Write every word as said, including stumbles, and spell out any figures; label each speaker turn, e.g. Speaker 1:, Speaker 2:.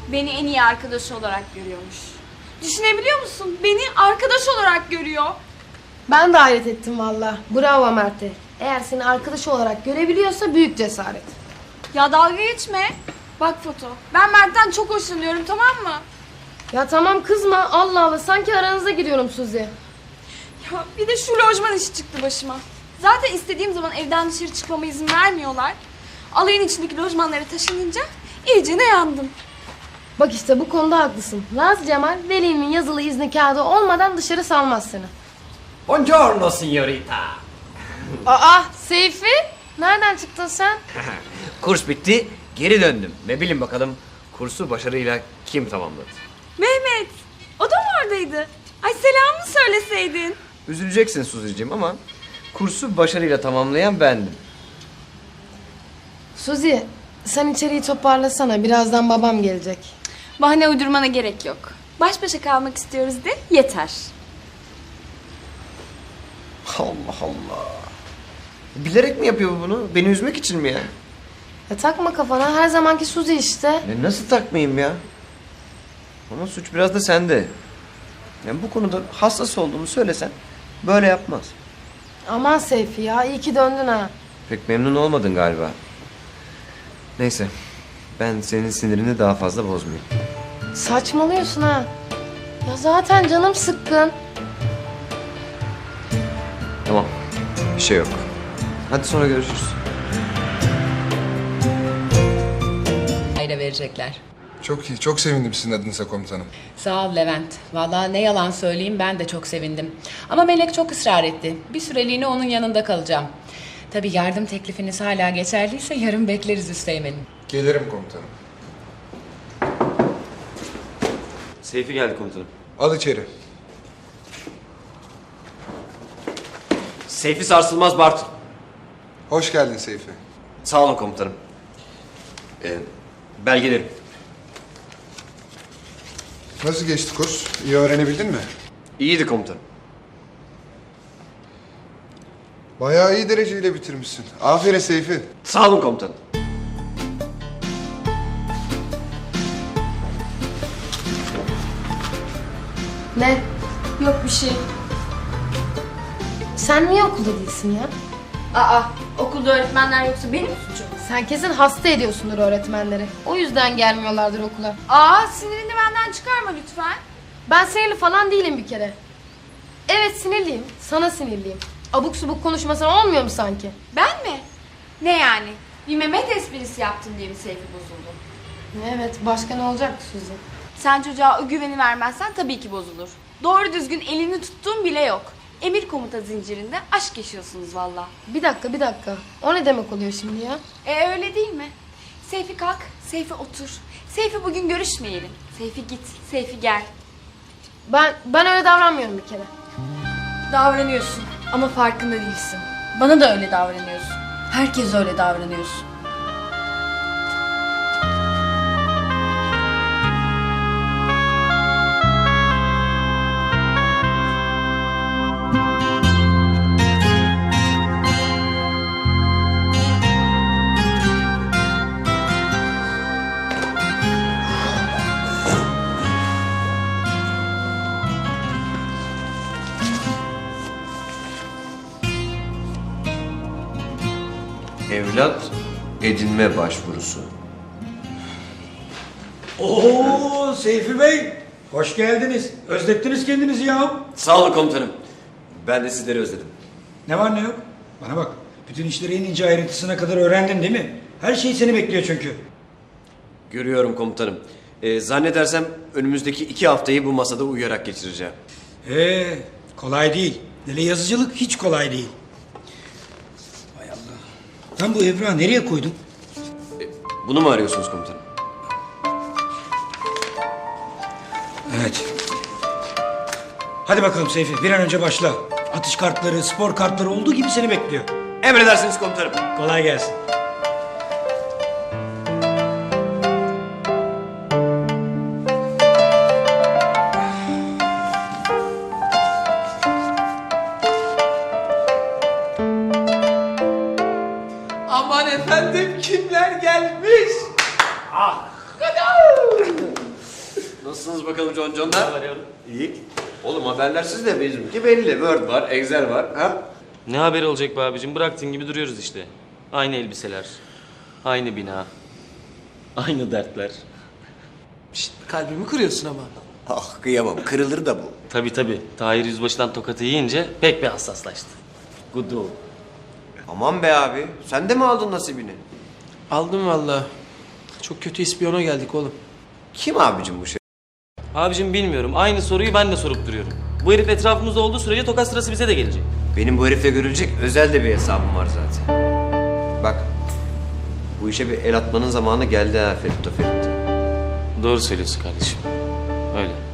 Speaker 1: Beni en iyi arkadaşı olarak görüyormuş. Düşünebiliyor musun? Beni arkadaş olarak görüyor.
Speaker 2: Ben de hayret ettim valla. Bravo Mert'e. Eğer seni arkadaş olarak görebiliyorsa büyük cesaret.
Speaker 1: Ya dalga geçme. Bak Foto, ben Mert'ten çok hoşlanıyorum, tamam mı?
Speaker 2: Ya tamam kızma. Allah Allah, sanki aranıza giriyorum Suzi.
Speaker 1: Ya bir de şu lojman işi çıktı başıma. Zaten istediğim zaman evden dışarı çıkmama izin vermiyorlar. Alayın içindeki lojmanlara taşınınca iyice ne yandım.
Speaker 2: Bak işte bu konuda haklısın. Laz Cemal, velimin yazılı izni kağıdı olmadan dışarı salmaz seni.
Speaker 3: Buongiorno signorita.
Speaker 2: Aa Seyfi, nereden çıktın sen?
Speaker 3: Kurs bitti, geri döndüm. Ve bilin bakalım kursu başarıyla kim tamamladı?
Speaker 1: Mehmet, o da mı oradaydı? Ay selam mı söyleseydin?
Speaker 3: Üzüleceksin Suzi'cim ama kursu başarıyla tamamlayan bendim.
Speaker 2: Suzi, sen içeriği toparlasana. Birazdan babam gelecek.
Speaker 1: Bahane uydurmana gerek yok. Baş başa kalmak istiyoruz de yeter.
Speaker 3: Allah Allah. Bilerek mi yapıyor bunu? Beni üzmek için mi ya?
Speaker 2: Ya takma kafana, her zamanki Suzi işte.
Speaker 3: Ya nasıl takmayayım ya? Ama suç biraz da sende. Yani bu konuda hassas olduğumu söylesen böyle yapmaz.
Speaker 2: Aman Seyfi ya, iyi ki döndün ha.
Speaker 3: Pek memnun olmadın galiba. Neyse. Ben senin sinirini daha fazla bozmayayım.
Speaker 2: Saçmalıyorsun ha. Ya zaten canım sıkkın.
Speaker 3: Tamam. Bir şey yok. Hadi sonra görüşürüz.
Speaker 4: Aile verecekler.
Speaker 5: Çok iyi, çok sevindim sizin adınıza komutanım.
Speaker 4: Sağ ol Levent. Vallahi ne yalan söyleyeyim, ben de çok sevindim. Ama Melek çok ısrar etti. Bir süreliğine onun yanında kalacağım. Tabii yardım teklifiniz hala geçerliyse yarın bekleriz Üsteğmen'im.
Speaker 5: Gelirim komutanım.
Speaker 3: Seyfi geldi komutanım.
Speaker 5: Al içeri.
Speaker 3: Seyfi sarsılmaz Bartın.
Speaker 5: Hoş geldin Seyfi.
Speaker 3: Sağ olun komutanım. Ee, belgelerim.
Speaker 5: Nasıl geçti kurs? İyi öğrenebildin mi?
Speaker 3: İyiydi komutanım.
Speaker 5: Bayağı iyi dereceyle bitirmişsin. Aferin Seyfi.
Speaker 3: Sağ olun komutanım.
Speaker 2: Ne?
Speaker 1: Yok bir şey.
Speaker 2: Sen niye okulda değilsin ya?
Speaker 1: Aa, okulda öğretmenler yoksa benim suçum.
Speaker 2: Sen kesin hasta ediyorsundur öğretmenleri. O yüzden gelmiyorlardır okula.
Speaker 1: Aa, sinirini benden çıkarma lütfen.
Speaker 2: Ben sinirli falan değilim bir kere. Evet sinirliyim. Sana sinirliyim. Abuk subuk konuşmasan olmuyor mu sanki?
Speaker 1: Ben mi? Ne yani? Bir Mehmet esprisi yaptın diye mi Seyfi bozuldu?
Speaker 2: Evet, başka ne olacaktı Suzi?
Speaker 1: Sen çocuğa o güveni vermezsen tabii ki bozulur. Doğru düzgün elini tuttuğun bile yok. Emir komuta zincirinde aşk yaşıyorsunuz valla.
Speaker 2: Bir dakika, bir dakika. O ne demek oluyor şimdi ya?
Speaker 1: E öyle değil mi? Seyfi kalk, Seyfi otur. Seyfi bugün görüşmeyelim. Seyfi git, Seyfi gel.
Speaker 2: Ben ben öyle davranmıyorum bir kere.
Speaker 1: Davranıyorsun ama farkında değilsin. Bana da öyle davranıyorsun. Herkes öyle davranıyorsun.
Speaker 3: Evlat edinme başvurusu.
Speaker 6: Oo Seyfi Bey, hoş geldiniz. Özlettiniz kendinizi ya.
Speaker 3: Sağ olun komutanım. Ben de sizleri özledim.
Speaker 6: Ne var ne yok? Bana bak, bütün işleri en ince ayrıntısına kadar öğrendin değil mi? Her şey seni bekliyor çünkü.
Speaker 3: Görüyorum komutanım. Ee, zannedersem önümüzdeki iki haftayı bu masada uyuyarak geçireceğim.
Speaker 6: Ee, kolay değil. Hele yazıcılık hiç kolay değil. Hay Allah. Ben bu evrağı nereye koydum?
Speaker 3: Bunu mu arıyorsunuz komutanım?
Speaker 6: Evet. Hadi bakalım Seyfi, bir an önce başla. Atış kartları, spor kartları olduğu gibi seni bekliyor.
Speaker 3: Emredersiniz komutanım.
Speaker 6: Kolay gelsin.
Speaker 7: Aman efendim kimler gelmiş? Ah! Kadar!
Speaker 3: Nasılsınız bakalım conconlar? İyi. Oğlum haberlersiz de bizimki belli. Word var, Excel var. Ha?
Speaker 7: Ne haberi olacak be abicim? Bıraktığın gibi duruyoruz işte. Aynı elbiseler, aynı bina, aynı dertler.
Speaker 8: Şşt, kalbimi kırıyorsun ama.
Speaker 3: Ah kıyamam. Kırılır da bu.
Speaker 7: Tabii tabii. Tahir Yüzbaşı'dan tokatı yiyince pek bir hassaslaştı. Good old.
Speaker 3: Aman be abi. Sen de mi aldın nasibini?
Speaker 8: Aldım valla. Çok kötü ispiyona geldik oğlum.
Speaker 3: Kim abicim bu şey?
Speaker 7: Abicim bilmiyorum. Aynı soruyu ben de sorup duruyorum. Bu herif etrafımızda olduğu sürece tokat sırası bize de gelecek.
Speaker 3: Benim bu herifle görülecek özel de bir hesabım var zaten. Bak. Bu işe bir el atmanın zamanı geldi ha Ferit Ferit.
Speaker 7: Doğru söylüyorsun kardeşim. Öyle.